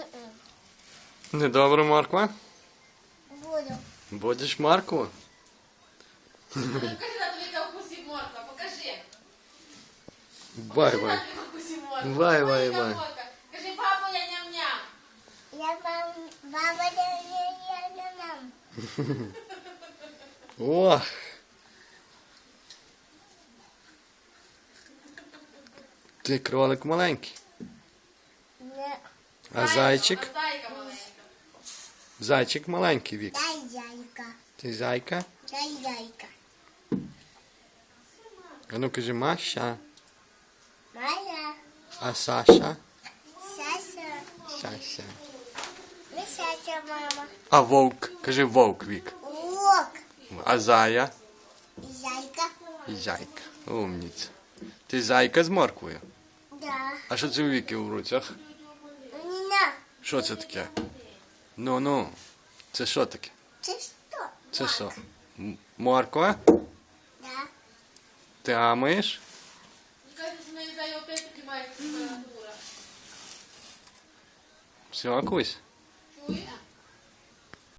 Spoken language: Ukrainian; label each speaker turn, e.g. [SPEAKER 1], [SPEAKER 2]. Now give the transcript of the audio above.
[SPEAKER 1] Недобре, морква?
[SPEAKER 2] Буду.
[SPEAKER 1] Будеш моркву?
[SPEAKER 3] Покажи, тату, Віка вкусить морква, покажи.
[SPEAKER 1] Бай,
[SPEAKER 3] Покажи,
[SPEAKER 1] бай.
[SPEAKER 3] тату, Віка вкусить морква.
[SPEAKER 1] Бай,
[SPEAKER 3] Ой,
[SPEAKER 1] бай,
[SPEAKER 3] яка
[SPEAKER 1] бай.
[SPEAKER 3] морква. Кажи, папа, я ням-ням.
[SPEAKER 2] Я баба нам.
[SPEAKER 1] Ох. Ти кролик маленький.
[SPEAKER 2] Не.
[SPEAKER 1] А зайчик?
[SPEAKER 3] Зайка маленька.
[SPEAKER 1] Зайчик маленький, Вік.
[SPEAKER 2] Дай зайка.
[SPEAKER 1] Ти зайка?
[SPEAKER 2] Дай зайка.
[SPEAKER 1] А ну кажи Маша.
[SPEAKER 2] Моя.
[SPEAKER 1] А Саша?
[SPEAKER 2] Саша.
[SPEAKER 1] Саша.
[SPEAKER 2] Мисяча мама.
[SPEAKER 1] А вовк? Кажи вовк, Вік.
[SPEAKER 2] Лок.
[SPEAKER 1] А зая?
[SPEAKER 2] Зайка.
[SPEAKER 1] І зайка. Умніця. Ти зайка з морквою?
[SPEAKER 2] Да.
[SPEAKER 1] А що це у Віки в руцях?
[SPEAKER 2] Ніна.
[SPEAKER 1] Що це таке? Ну. Це що таке?
[SPEAKER 2] Це що?
[SPEAKER 1] Це що? Морква?
[SPEAKER 2] Да.
[SPEAKER 1] Ти амаєш?
[SPEAKER 3] Кажи, що на Ізаї опять піднімається температура.
[SPEAKER 1] Все, Кусь?
[SPEAKER 3] Чуєш?